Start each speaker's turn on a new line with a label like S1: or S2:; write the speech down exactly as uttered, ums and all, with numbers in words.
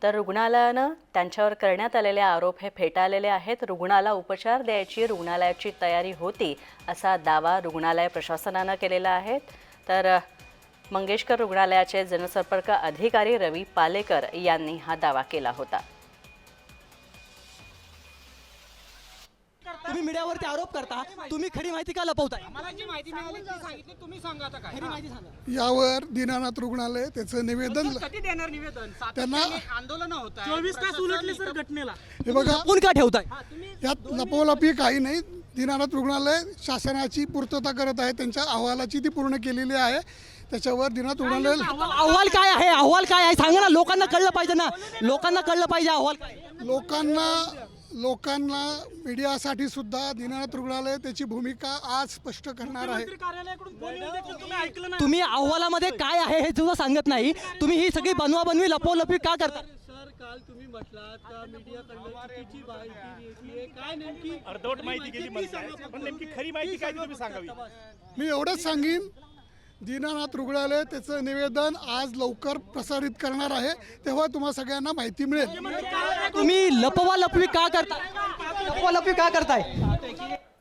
S1: तर रुग्णालयानं त्यांच्यावर करण्यात आलेले आरोप हे फेटाळलेले आहेत। रुग्णाला उपचार द्यायची रुग्णालयाची तयारी होती असा दावा रुग्णालय प्रशासनानं केलेला आहे। तर मंगेशकर रुग्णालयाचे जनसंपर्क अधिकारी रवी पालेकर यांनी हा दावा केला होता।
S2: तुम्ही मीडियावरती आरोप करता, तुम्ही खरी माहिती का लपवताय?
S3: आम्हाला जी माहिती मिळाली ती सांगितली, तुम्ही सांगा आता काय
S2: खरी माहिती सांगा।
S4: यावर दीनानाथ रुग्णालय त्याचं निवेदन
S3: कधी देणार निवेदन?
S4: त्यांना
S3: आंदोलन होत आहे,
S2: चोवीस तास उलटले सर घटनेला,
S4: हे बघा
S2: कोण का ठेवताय?
S4: यात लपवलपी काही नाही। दीनानाथ रुग्णालय शासनाची पूर्तता करत आहे, त्यांच्या अहवालाची ती पूर्ण केलेली आहे। त्याच्यावर दीनानाथ रुग्णालय
S2: अहवाल काय आहे? अहवाल काय आहे सांगा ना, लोकांना कळलं पाहिजे ना, लोकांना कळलं पाहिजे अहवाल काय आहे।
S4: लोकांना लोकांना मीडियासाठी सुद्धा दीनानाथ रुग्णालय त्याची भूमिका आज स्पष्ट करणार आहे।
S2: तुम्ही अहवालामध्ये काय आहे हे सुद्धा सांगत नाही, तुम्ही ही सगळी बनवा बनवी लपवलपी का करता?
S5: सर काल तुम्ही म्हटलात का मीडियाकडनं चुकीची माहिती घेतली, काय नेमकी
S6: अर्धवट माहिती गेली म्हणताय, पण नेमकी खरी माहिती काय ती तुम्ही सांगावी।
S4: मी एवढंच सांगेन, दीनानाथ रुग्णालय त्याचं निवेदन आज लवकर प्रसारित करणार आहे, तेव्हा तुम्हा सगळ्यांना माहिती मिळेल।
S2: तुम्ही लपवा लपवी का करताय? लपवा लपवी का करताय?